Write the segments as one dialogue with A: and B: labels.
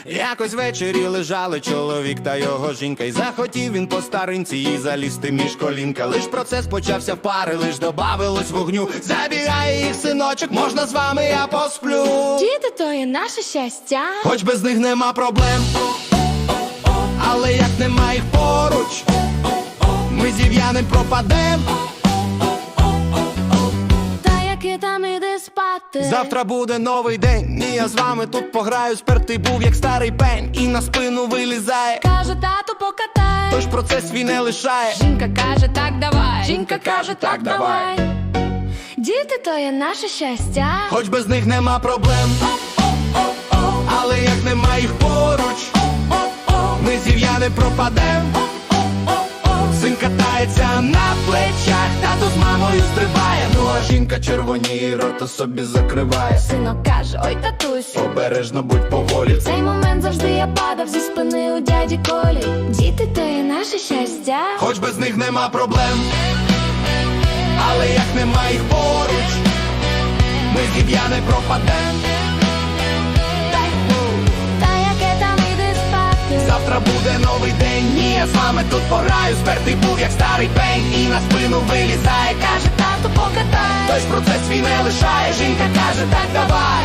A: Якось ввечері лежали чоловік та його жінка, і захотів він по старинці їй залізти між колінка. Лиш процес почався в пари, лиш добавилось вогню. Забігає їх синочок, можна з вами я посплю.
B: Діти то є наше щастя,
A: Хоч без них нема проблем, але як нема їх поруч, ми зів'яним пропадем.
B: та яки там іди спати.
A: Завтра буде новий день, і я з вами тут пограю. Спертий був як старий пень, і на спину вилізає.
B: Каже, тату, покатай.
A: Тож процес свій не лишає.
B: Жінка каже, так давай. Жінка каже, так давай. Діти то є наше щастя,
A: Хоч без них нема проблем, але як нема їх поруч, ми зів'яни пропадем. Син катається на плечах, тато з мамою стрибає. Ну а жінка червоніє, рота собі закриває.
B: синок каже, ой, татусь.
A: Обережно будь поволі.
B: В цей момент завжди я падав зі спини у дяді Колі. Діти то є наше щастя,
A: Хоч без них нема проблем, але як нема їх поруч, ми зів'яни пропадем.
B: та яке там іди спати.
A: Завтра буде новий день, і я з вами тут пограю. Спертий був як старий пень, і на спину вилізає. Каже,
B: Тату, покатай.
A: тож процес свій не лишає. Жінка каже, так давай.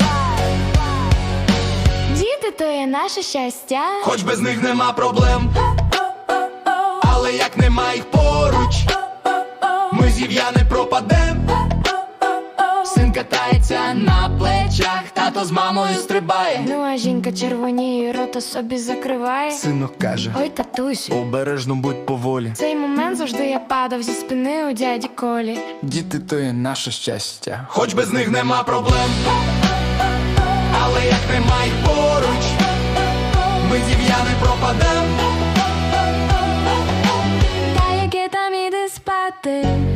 B: Діти то є наше щастя,
A: Хоч без них нема проблем, але як нема їх поруч, ми зів'яни пропадем. Син катається на плечах, тато з мамою стрибає.
B: ну а жінка червоніє, рота собі закриває.
A: Синок каже,
B: Ой, татусь.
A: обережно будь поволі.
B: В цей момент завжди я падав зі спини у дяді Колі.
C: Діти то є наше щастя.
A: Хоч без них нема проблем, але як нема їх поруч, ми зів'яни пропадем.
B: Та яке там іди спати.